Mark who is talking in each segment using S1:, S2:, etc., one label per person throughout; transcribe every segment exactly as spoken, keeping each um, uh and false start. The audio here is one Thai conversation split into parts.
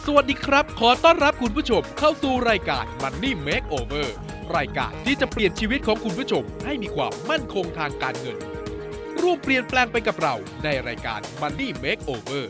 S1: สวัสดีครับขอต้อนรับคุณผู้ชมเข้าสู่รายการ Money Makeover รายการที่จะเปลี่ยนชีวิตของคุณผู้ชมให้มีความมั่นคงทางการเงินร่วมเปลี่ยนแปลงไปกับเราในรายการ Money Makeover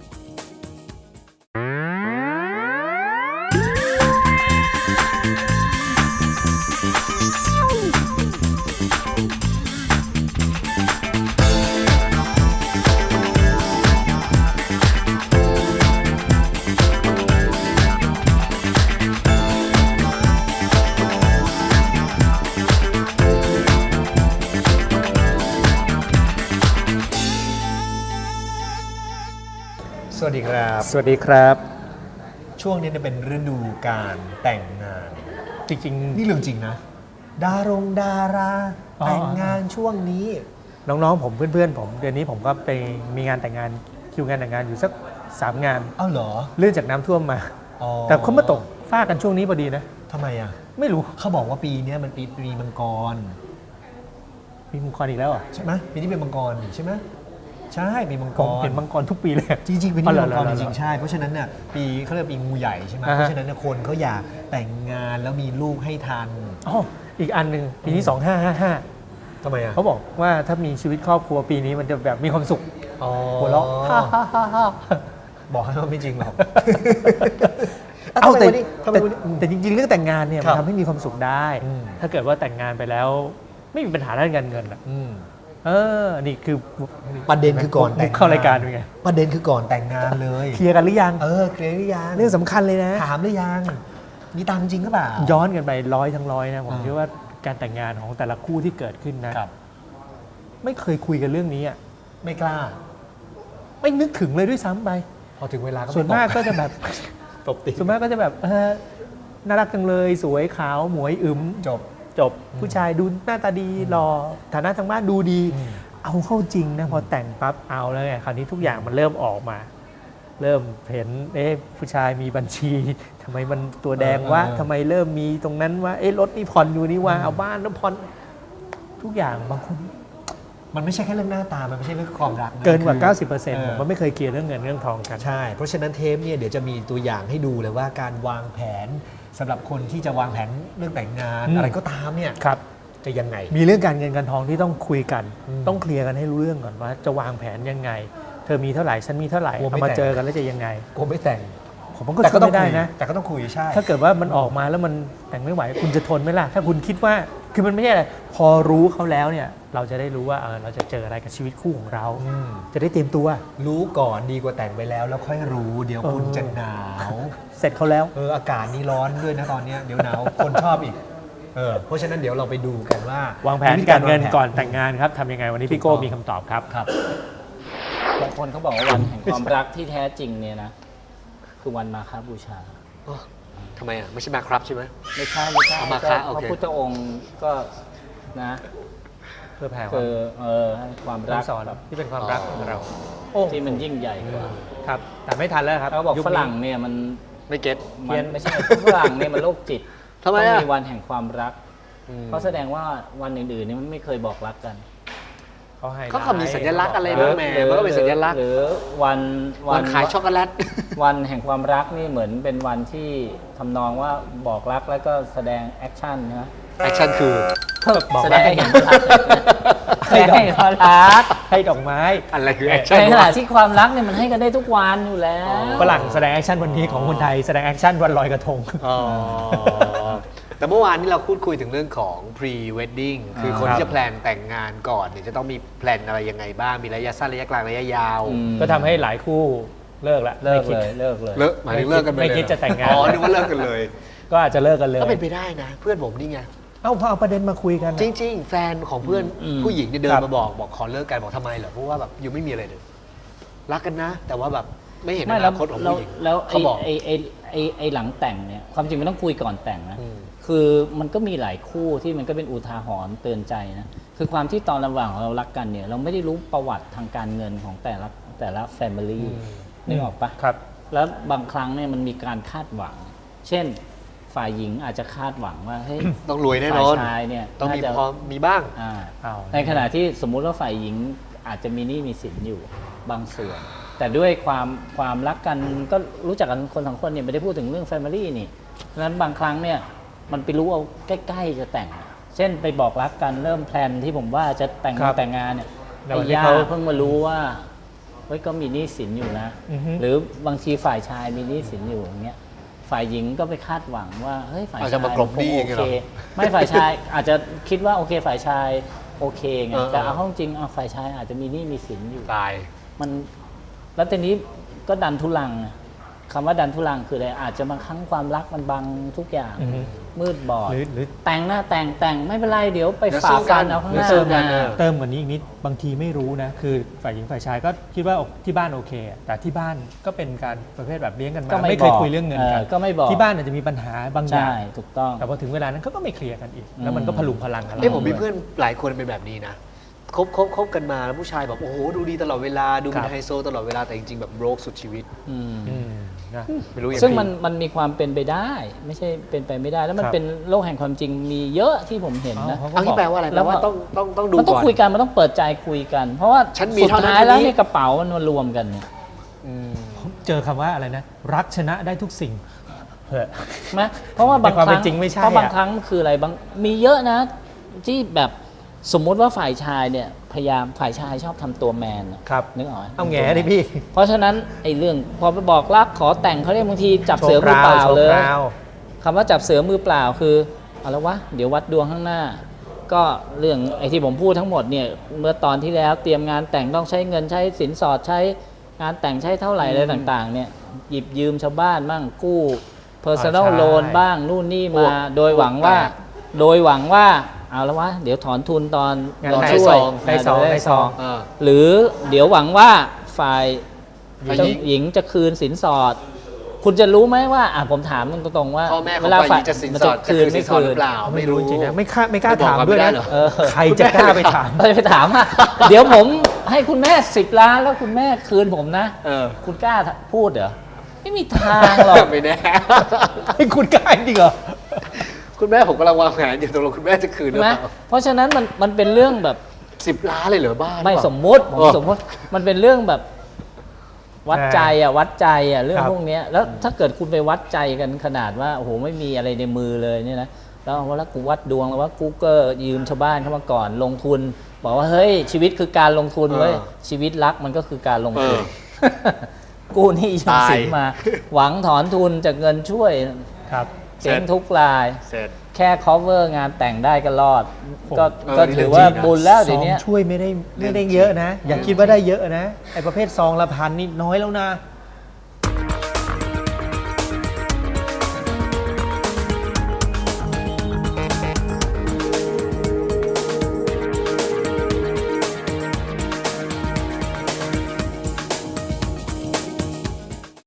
S2: สวัสดีครับ
S3: สวัสดีครับ
S2: ช่วงนี้จะเป็นฤดูการแต่งงาน
S3: จริง
S2: นี่เรื่องจริงนะ ดารงดารา
S3: อ๋อ
S2: แต่งงานช่วงนี้
S3: ๆ น้องๆผมเพื่อนๆผมเดือนนี้ผมก็ไปมีงานแต่งงานคิวงานแต่งงานอยู่สักสามงาน
S2: เอ้าเหรอ
S3: เลื่อนจากน้ำท่วมมา
S2: อ๋อ
S3: แต่เขามาตกฟ้ากันช่วงนี้พอดีนะ
S2: ทำไมอ่ะ
S3: ไม่รู้
S2: เขาบอกว่าปีนี้มันปีปีมังกร
S3: มีมังกรอีกแล้วเหรอ
S2: ใช่ไหมปีนี้เป็นมังกรใช่ไหมใช่ปีมังก
S3: ผม
S2: ร
S3: เห็นมังกรทุกปีเลย
S2: จริงๆปีนี้
S3: อ๋อ
S2: เป็น
S3: เหร
S2: มั
S3: อง
S2: กร
S3: เหรอ
S2: จริงๆใช่เพราะฉะนั้นเนี่ยปีเขาเรียกปีงูใหญ่ใช่ไหม
S3: อ่าฮะ
S2: เพราะฉะนั้นเนี่ยคนเขาอยากแต่งงานแล้วมีลูกให้ทัน
S3: อ๋ออีกอันหนึ่งปีนี้สองห้าห้าห้า
S2: ทำไมอ่ะ
S3: เขาบอกว่าถ้ามีชีวิตครอบครัวปีนี้มันจะแบบมีความสุข
S2: อ๋อ
S3: หัวเราะฮ่าฮ่าฮ่าฮ่า
S2: บอกให้ว่าไม่จริงหรอก
S3: เอาแต่
S2: ทำไม
S3: แต่
S2: วันนี้
S3: แต่จริงๆเรื่องแต่งงานเนี่ย
S2: ครั
S3: มัน
S2: บ
S3: ทำให้มีความสุขได้
S2: อืม
S3: ถ้าเกิดว่าแต่งงานไปแล้ว ไม่มีปัญหาด้านการเงินอะ
S2: อืม
S3: เออ นี่คือ
S2: ประเด็นคือก่อนแต่งงาน
S3: เข้ารายการเป็นไง
S2: ประเด็นคือก่อนแต่งงานเลย
S3: เคลียร์กันหรือยัง
S2: เออเคลียร์หรือยัง
S3: เรื่องสำคัญเลยนะ
S2: ถามหรือยังมีตังค์จริงหรือเปล่า
S3: ย้อนกันไปร้อยทั้งร้อยนะ ผม
S2: อ่า
S3: คิดว่าการแต่งงานของแต่ละคู่ที่เกิดขึ้นนะ ไม่เคยคุยกันเรื่องนี้อ่ะ
S2: ไม่กล้า
S3: ไม่นึกถึงเลยด้วยซ้ำไป
S2: พอถึงเวลาก็
S3: ส่วนมากก็จะแบบ
S2: ตบตี
S3: ส่วนมากก็จะแบบเออน่ารักจังเลย สวยขาวหมวยอึม
S2: จบ
S3: จบ ผู้ชายดูหน้าตาดีหล่อฐานะทางบ้านดูดี
S2: อืม
S3: เอาเข้าจริงนะ พอแต่งปั๊บเอาแล้วไงคราวนี้ทุกอย่างมันเริ่มออกมา เริ่มเห็นเอ๊ะผู้ชายมีบัญชีทำไมมันตัวแดงวะทำไมเริ่มมีตรงนั้นว่าเอ๊ะรถนี่ผ่อนอยู่นี่ว่าเอาบ้านแล้วผ่อนทุกอย่างบางคน
S2: มันไม่ใช่แค่เรื่องหน้าตา มันไม่ใช่เรื่องความรักะ
S3: เกินกว่า
S2: คือ
S3: เก้าสิบเปอร์เซ็นต์
S2: เออ
S3: ผมว่าไม่เคยเคลียร์เรื่องเงินเรื่องทองกัน
S2: ใช่ เพราะฉะนั้นเทปเนี่ยเดี๋ยวจะมีตัวอย่างให้ดูเลยว่าการวางแผนสำหรับคนที่จะวางแผนเรื่องแต่งงาน
S3: อืม
S2: อะไรก็ตามเนี่ย
S3: ครับ
S2: จะยังไง
S3: มีเรื่องการเงินการทองที่ต้องคุยกัน
S2: อืม
S3: ต้องเคลียร์กันให้รู้เรื่องก่อนว่าจะวางแผนยังไง เธอมีเท่าไหร่ฉันมีเท่าไหร่
S2: กลัวไม่
S3: เอามา
S2: แต่ง
S3: เจอกันแล้วจะยังไง
S2: กลัวไม่แต่ง
S3: ผมว่าก็
S2: แต่
S3: ช่วย
S2: ต้อง
S3: ไม่ได้
S2: คุย
S3: นะ
S2: แต่ก็ต้องคุยใช่
S3: ถ้าเกิดว่ามันออกมาแล้วมันแต่งไม่ไหวคุณจะทนไหมล่ะ ถ้าคุณคิดว่าคือมันไม่ใช่อะไรพอรู้เขาแล้วเนี่ย เราจะได้รู้ว่าเออเราจะเจออะไรกับชีวิตคู่ของเรา
S2: อืม
S3: จะได้เตรียมตัว
S2: รู้ก่อนดีกว่าแต่งไปแล้วแล้วค่อยรู้เดี๋ยวคุณ
S3: เออ
S2: จะหนาว
S3: เสร็จเขาแล้ว
S2: เอออากาศนี่ร้อนด้วยนะตอนเนี้ยเดี๋ยวหนาว คนชอบอีกเออเพราะฉะนั้นเดี๋ยวเราไปดูกันว่าว
S3: างแผนการเงินก่อนแต่งงานครับทำยังไงวันนี้พี่โก้มีคำตอบครับ
S2: ครับ
S4: บางคนเขาบอกว่าวันแห่งความรักที่แท้จริงเนี่ยนะ คือวันมาฆบูชา
S2: ทำไมอ่ะไม่ใช่มาครับใช่ไหม
S4: ไม่ใช่ไม่ใช่
S2: เอามา
S4: ก็
S2: ฆโอเค
S4: พระพุทธองค์ก็นะ
S3: เพื่อแผ่ควา
S4: คื
S3: ม
S4: อเออให้ความรัก
S3: คำสอน
S4: แบบ
S3: ที่เป็นความรักของเรา
S4: ที่มันยิ่งใหญ่กว่า
S3: ครับ แต่ไม่ทันแล้วครับ
S4: เขาบอก
S3: ยุค
S4: ฝ
S3: นี้
S4: รั่งเนี่ยมัน
S2: ไม่เก็ต
S4: มันไม่ใช่ฝรั่งเนี่ยมันโรคจิต
S2: ทำไม
S4: ต้อง
S2: อ่ะ
S4: มีวันแห่งความรัก เพราะแสดงว่าวันอื่นๆเนี่ยมันไม่เคยบอกรักกัน
S3: เขาให้
S5: เขาก็มีสัญลักษณ์อะไร
S4: ห
S5: บ้างแหมมันก็เป็นสัญลักษณ์
S4: หรือวัน
S5: วันขายช็อกโกแลต
S4: วันแห่งความรักนี่เหมือนเป็นวันที่ทำนองว่าบอกรักแล้วก็แสดงแอคชั่นนะ
S5: แอคชั่นคือ
S3: บอก
S4: แสด
S3: รัก
S4: งให้เห็นรักแสดงให้เห็นความรัก
S3: ให้ดอกไม้
S5: อะไรคือแอคชั่น
S4: ในขณะที่ความรักเนี่ยมันให้กันได้ทุกวันอยู่แล้ว
S3: ฝรั่งแสดงแอคชั่นวันนี้ของคนไทยแสดงแอคชั่นวันลอยกระทง
S5: อ๋อแต่เมื่อวานนี้เราพูดคุยถึงเรื่องของ pre wedding คือคน
S3: ครับ
S5: ที่จะแพลนแต่งงานก่อนเนี่ยจะต้องมีแพลนอะไรยังไงบ้าง มีระยะสั้นระยะกลางระยะยาว
S4: อืม
S3: ก็ทำให้หลายคู่เลิกละ
S4: เลิก
S3: ไม่คิด
S4: เลยเลิกเลย
S5: เลิกหมายถึงเลิกกันไปเลย
S3: ไม่คิดจะแต่งงาน
S5: อ๋อนึกว่าเลิกกันเลย
S3: ก็อาจจะเลิกกันเลย
S5: ก็เป็นไปได้นะ เพื่อนผมนี่ไง
S3: เอ้าพอเอาประเด็นมาคุยกัน
S5: จ
S3: อะ
S5: ริง ๆ แฟนของเพื่อน
S4: อืม
S5: ผู้หญิงเนี่ยเดิ
S3: คน รับ
S5: มาบอกบอกขอเลิกกันบอกทำไมเหรอเพราะว่าแบบอยู่ไม่มีอะไรเลยรักกันนะ แต่ว่าแบบไม่เห็นอ
S4: ไม่แล้ว
S5: นาคตของ
S4: แล้ว
S5: ผู้หญิง
S4: แล้ว
S5: เขาบอก
S4: ไอ้ไอ้ไอ้ไอ้หลังแต่งเนี่ยความจริงมันต้องคุยก่อนแต่งนะ
S5: อืม
S4: คือมันก็มีหลายคู่ที่มันก็เป็นอุทาหรณ์เตือนใจนะคือความที่ตอนระหว่างเรารักกันเนี่ยเราไม่ได้รู้ประวัติทางการเงินของแต่ละแต่ละแฟมิลี่นึกออกปะ
S3: ครับ
S4: แล้วบางครั้งเนี่ยมันมีการคาดหวัง เช่นฝ่ายหญิงอาจจะคาดหวังว่าเฮ้ย
S5: ต้องรวยแน่น
S4: ฝ่า
S5: อย น
S4: ชายเนี่ย
S5: ต้องมี
S4: น่าจะ
S5: พอมีบ้าง
S4: อ่า
S3: เอา
S4: ในขณะที่สมมุติว่าฝ่ายหญิงอาจจะมีหนี้มีสินอยู่บางส่วนแต่ด้วยความความรักกันก็รู้จักกันคนสองคนเนี่ยไม่ได้พูดถึงเรื่อง Family นี่เพราะฉะนั้นบางครั้งเนี่ยมันไปรู้เอาใกล้ๆจะแต่ง เช่นไปบอกรักกันเริ่มแพลนที่ผมว่าจะแต่ง
S3: ครับ
S4: แต่งงานเนี่ย
S3: แล้ว
S4: ไอ้
S3: วันที่
S4: ย่า
S3: เขา
S4: เพิ่งมารู้ว่าเฮ้ยก็มีหนี้สินอยู่นะ
S3: อือฮึ
S4: หรือบางทีฝ่ายชายมีหนี้สินอยู่อย่างเงี้ยฝ่ายหญิงก็ไปคาดหวังว่าเฮ้ยฝ่าย
S5: อาจ
S4: ชาย
S5: จะมากลบหนี้
S4: คง
S5: อย่าง
S4: โอ
S5: เงี้ย
S4: เค
S5: เหรอ
S4: ไม่ฝ่ายชายอาจจะคิดว่าโอเคฝ่ายชายโอเคไง
S5: เออ
S4: แต่เอาเข้าจริงเอาฝ่ายชายอาจจะมีหนี้มีสินอยู่
S5: ตาย
S4: มันแล้วทีนี้ก็ดันทุลังอะคำว่าดันทุลังคืออะไรอาจจะบางครั้งความรักมันบังทุกอย่าง
S3: อือฮึ
S4: มืดบอด
S3: หรือหรือ
S4: แต่งหน้าแต่งแต่งไม่เป็นไรเดี๋ยวไป
S5: เดี๋ยว
S4: ฝ่า
S5: สู้กั
S4: ฟั
S5: น
S4: นเอาข้างห
S5: เดี๋ยว
S4: น้า
S5: สู้กัน
S4: มา
S5: เออ
S3: เติมกว่านี้อีกนิดบางทีไม่รู้นะ คือฝ่ายหญิงฝ่ายชายก็คิดว่าที่บ้านโอเค แต่ที่บ้านก็เป็นการประเภทแบบเลี้ยงกัน
S4: ก็
S3: มา
S4: ไม่
S3: ไม่เคย
S4: บอก
S3: คุยเรื่องเงินกัน
S4: เออก็ไม่บอก
S3: ที่บ้านอาจจะมีปัญหาบางอย่า
S4: ใช่
S3: ง
S4: ถูกต้อง
S3: แต่พอถึงเวลานั้นเขาก็ไม่เคลียร์กันอีก แล้วมัน
S4: อืม
S3: ก็พลุงพลังกัน
S5: เอ้ยผมมีเพื่อนหลายคนเป็นแบบนี้นะคบคบคบกันมาแล้วผู้ชายแบบโอ้โหดูดีตลอดเวลาดูเป็นไฮโซตลอดเวลาแต่จริงๆแบบโบรกสุดชีวิต
S4: อืม
S3: อืมนะ
S5: ไม่รู้อย่าง
S4: ซึ่ง
S5: พี่
S4: มันมันมีความเป็นไปได้ ไม่ใช่เป็นไปไม่ได้ แล้วมัน
S3: ครับ
S4: เป็นโลกแห่งความจริงมีเยอะที่ผมเห็นนะ
S3: อ๋อ
S5: เอางี้แปลว่าอะไรแปลว่าต้องต้องต้องดู
S4: มันต้อง
S5: ก่อน
S4: คุยกันมันต้องเปิดใจคุยกัน เพราะว่า
S5: ฉันมี
S4: สุด
S5: เท่านั้น
S4: ท้ายแล้ว
S5: เท่านี้
S4: ในกระเป๋ามันมารวมกันเนี่ย
S5: อืม
S3: ผมเจอคำว่าอะไรนะ รักชนะได้ทุกสิ่งเฮ้ย
S4: นะเพราะว่าบาง
S3: ในความ
S4: ค
S3: เป็
S4: รั้
S3: น
S4: ง
S3: จริงไม่ใช่
S4: เพราะบาง
S3: อะ
S4: ครั้งคืออะไรบางมีเยอะนะ ที่แบบสมมุติว่าฝ่ายชายเนี่ยพยายามฝ่ายชายชอบทำตัวแมนอะ
S3: ครับ
S4: นึกออกไหม
S3: เอาแง่ดิพี่
S4: เพราะฉะนั้นไอ้เรื่องพอไปบอกรักขอแต่งเขาเรียกบางทีจับเสือมือเปล่า
S3: โชว์
S4: เลย
S3: กราว
S4: คำว่าจับเสือมือเปล่าคือเอาละวะเดี๋ยววัดดวงข้างหน้า ก็เรื่องไอ้ที่ผมพูดทั้งหมดเนี่ยเมื่อตอนที่แล้วเตรียมงานแต่งต้องใช้เงินใช้สินสอดใช้งานแต่งใช้เท่าไหร่อะไรต่างๆเนี่ยหยิบยืมชาวบ้านบ้างกู้ personal
S3: อ่าใช่
S4: loan บ้างนู่นนี่
S5: พว
S4: มาก โดยหวังว่า
S5: พวกแปด
S4: โดยหวังว่าเอาละวะเดี๋ยวถอนทุนตอน
S3: งาน
S4: เงิน
S3: ได้
S4: ช่
S3: ซ
S4: วย
S3: องได้ซอง
S4: เยว
S3: ได้ซอง
S5: เออ
S4: หรือเดี๋ยวหวังว่าฝ่าย
S5: ฝ่าย
S4: เจ้า
S5: หญิง
S4: หญิงจะคืนสินสอด คุณจะรู้ไหมว่าอ่ะผมถามตรงๆว่า
S5: พ่อแม่ของ
S4: เวลา
S5: ฝ่ายหญิงจะสินสอดจะคืนสินสอดหรือเปล่า
S3: ไม่รู้จริงนะไม่กล้าไม่กล้า
S5: จะบอก
S3: ถาม
S5: กัน
S3: ด้วย
S5: ไม่ได้
S3: นะ
S5: เหรอ
S4: เออ
S3: ใครจะกล้าไปถาม
S4: ไปไปถามว่า เดี๋ยวผมให้คุณแม่สิบล้านแล้วคุณแม่คืนผมนะ
S5: เออ
S4: คุณกล้าพูดเหรอ ไม่มีทางหรอก
S5: ไม่แน่
S3: ให้คุณกล้าจริงเหรอ
S5: คุณแม่ผมกำลังวางแผนอยู่ตกลงคุณแม่จะคืนหรือ
S4: ใช่ไหม
S5: เปล่า
S4: เพราะฉะนั้นมันมันเป็นเรื่องแบบ
S5: สิบล้านเลยเหรอบ้า
S4: ไม่
S5: หรือเปล่า
S4: สมมุติผม
S5: เออ
S4: สมมุติมันเป็นเรื่องแบบวัดใจอ่ะวัดใจอ่ะเรื่อง
S3: ครับ
S4: พวกเนี้ยแล้วถ้าเกิดคุณไปวัดใจกันขนาดว่าโอ้โหไม่มีอะไรในมือเลยเนี่ยนะแล้วเอาว่าแล้วกูวัดดวงแล้วว่ากูก็ยืมชาวบ้านเข้ามาก่อนลงทุน บอกว่าเฮ้ยชีวิตคือการลงทุนเว้ย
S5: เออ
S4: ชีวิตรักมันก็คือการลงทุน
S5: เออ
S4: กู้หนี้ยืมสิน
S5: ตาย
S4: มา หวังถอนทุนจากเงินช่วย
S3: ครับ
S4: เจ๊งทุกราย
S5: เสร็จ
S4: แค่ cover งานแต่งได้ก็รอด ก็
S5: เออ
S4: ก็
S5: นี่
S4: ถือ
S5: เรื่อง
S4: ว่า
S5: จริงนะ
S4: บุญแล้ว
S3: ซ
S4: เดี๋ย
S3: อ
S4: ว
S3: ง
S4: นี้
S3: ช่วยไม่ได้ไม่ได้
S5: เรื่องจริง
S3: เยอะนะ อย่าคิดว่าได้เยอะนะไอ้ประเภทซองละพันนี่น้อยแล้วนะ
S5: เ